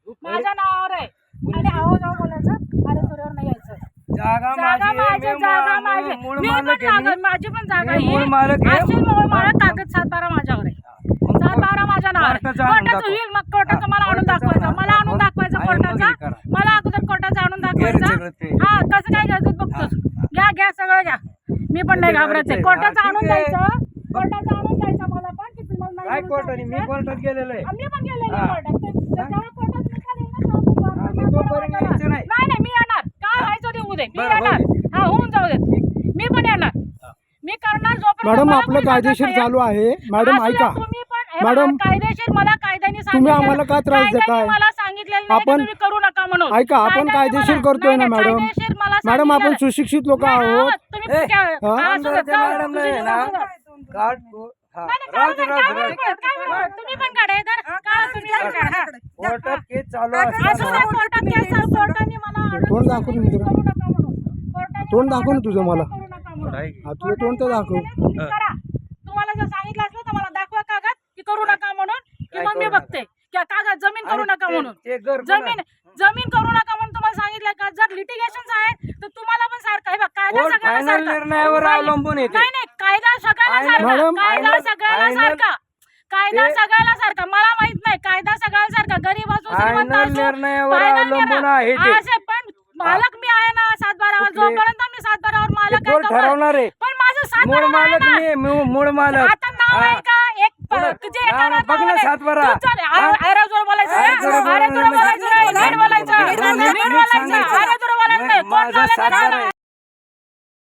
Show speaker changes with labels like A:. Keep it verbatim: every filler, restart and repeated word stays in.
A: माझ्या नावावर आहे आणि आहो जाऊ बोलायचं अरे तुझ्यावर नाही यायचं.
B: जागा
A: जागा माझी जागा माझी मी पण जागा माझी पण जागा ही असेल मूळ मालक कागद सात बारा माझ्यावर आहे. सात बारा माझ्या नावावर कोर्टाचं होईल मग कोर्टाचं मला आणून दाखवायचं मला आणून दाखवायचं कोर्टाचा मला अगोदर कोर्टाचं आणून दाखवायचं. हा कसं काय घ्यायचं बघतोस घ्या घ्या सगळं घ्या मी पण नाही घाबरायचं. कोर्टाचं आणून द्यायचं कोर्टाचं आणून द्यायचं मला पण की तुम्हाला
B: काय कोर्टाने मी कोर्टात गेलेलो आहे
A: आम्ही पण गेलेलो कोर्टात त्याच्यावर कोर्टात निकाल येईल ना
B: मी तोपर्यंत यायचं नाही.
A: नाही नाही मी येणार काय व्हायचं ते उद्या मी येणार. हा होऊन जाऊ दे मी पण येणार मी करणार जोपर्यंत
C: मॅडम
A: मला
C: आपलं
A: कोणी
C: कायदेशीर
A: सांगत
C: चालू आहे. मॅडम
A: नाही.
C: ऐका
A: तुम्ही पण हे
C: मॅडम,
A: बघा, कायदेशीर मला कायद्याने
C: तुम्ही
A: सांगितलेलं-
C: आम्हाला का त्रास देताय?
A: कायद्याने मला सांगितलेलं नाही की
C: आपण-
A: तुम्ही करू नका म्हणून.
C: ऐका आपण
A: कायद्याने
C: कायदेशीर
A: मला-
C: करतोय
A: नाही,
C: ना
A: नाही,
C: मॅडम.
A: कायदेशीर मला
C: मॅडम आपण
A: सांगितलेलं-
C: सुशिक्षित लोक
A: नाही,
C: आहोत.
A: तुम्ही
B: ए,
A: काय-
C: हा?
A: हा, असू दे, जाऊ दे,
B: मॅडमला आहे
A: तुम्ही
B: ना,
A: जाऊ दे.
B: कार्ड को- हा,
A: नाही, नाही,
B: राहू
A: काढू
B: दे,
A: दे,
B: राहू दे,
A: काढू
B: राहू
A: दे,
B: दे.
A: काढू दे. तुम्ही पण काढा इधर. काढा तुम्ही पण काढा.
B: कोर्टात केस चालू
A: असू दे,
B: असताना
A: कोर्टात केस आहे, कोर्टाने मला आणून
C: तोंड दाखव ना
A: दिलं,
C: जरा.
A: करू नका म्हणून. कोर्टाने
C: तोंड
A: मला
C: दाखव ना तुझं मला.
A: करू नका म्हणून.
C: हा तुझं तोंड तर दाखव.
A: तुम्ही करा. तुम्हाला जर सांगितलं असलं तर मला दाखवा कागद की करू नका म्हणून की मग मी बघते की कागद जमीन करू नका म्हणून.
B: ते घर
A: जमीन जमीन करू नका म्हणून तुम्हाला सांगितलं का जर लिटिगेशन आहे तर तुम्हाला पण सारखं आहे बघ कायदा
B: कोर्ट
A: सगळ्याला
B: फायनल
A: सारखा.
B: निर्णयावर
A: नाही,
B: अवलंबून येते.
A: नाही नाही कायदा सगळ्याला
B: फायनल-
A: सारखा
C: मॅडम,
A: कायदा
B: फायनल-
A: सगळ्याला
B: फायनल-
A: सारखा कायदा
B: ते-
A: सगळ्याला सारखा मला माहित नाही कायदा सगळ्याला सारखा गरीब असो श्रीमंत
B: फायनल
A: असो
B: निर्णयावर
A: फायनल
B: अवलंबून
A: निर्णय.
B: आहे ते.
A: असे पण मालक मी आहे ना सात बारावर
B: कुठले?
A: जोपर्यंत मी सात बारावर
B: ते
A: मालक आहे
B: कोर्ट
A: तोपर्यंत-
B: ठरवणार आहे.
A: पण माझं सात
B: मूळ
A: बारावर आहे
B: मालक
A: ना.
B: मी मूळ- मूळ मालक
A: आता नाव
B: हा.
A: आहे का एक प-
B: पुढं.
A: जे येतं ना
B: नाव बघ ना
A: नावाने.
B: सातबारा.
A: तू चाल.
B: हा.
A: अरे अरे जोर बोलायचं
B: अरे
A: नाही.
B: जोर
A: अरे
B: बोलायचं
A: तुला
B: नाही.
A: बोलायचं नाही. नीट बोलायचं.
B: नीट
A: नीट बोलायचं.
B: सांगायचं.
A: अरे तुला बोलायचं नाही. कोण
B: माझा
A: बोलायचं
B: सातबारा
A: नाही.
B: आहे.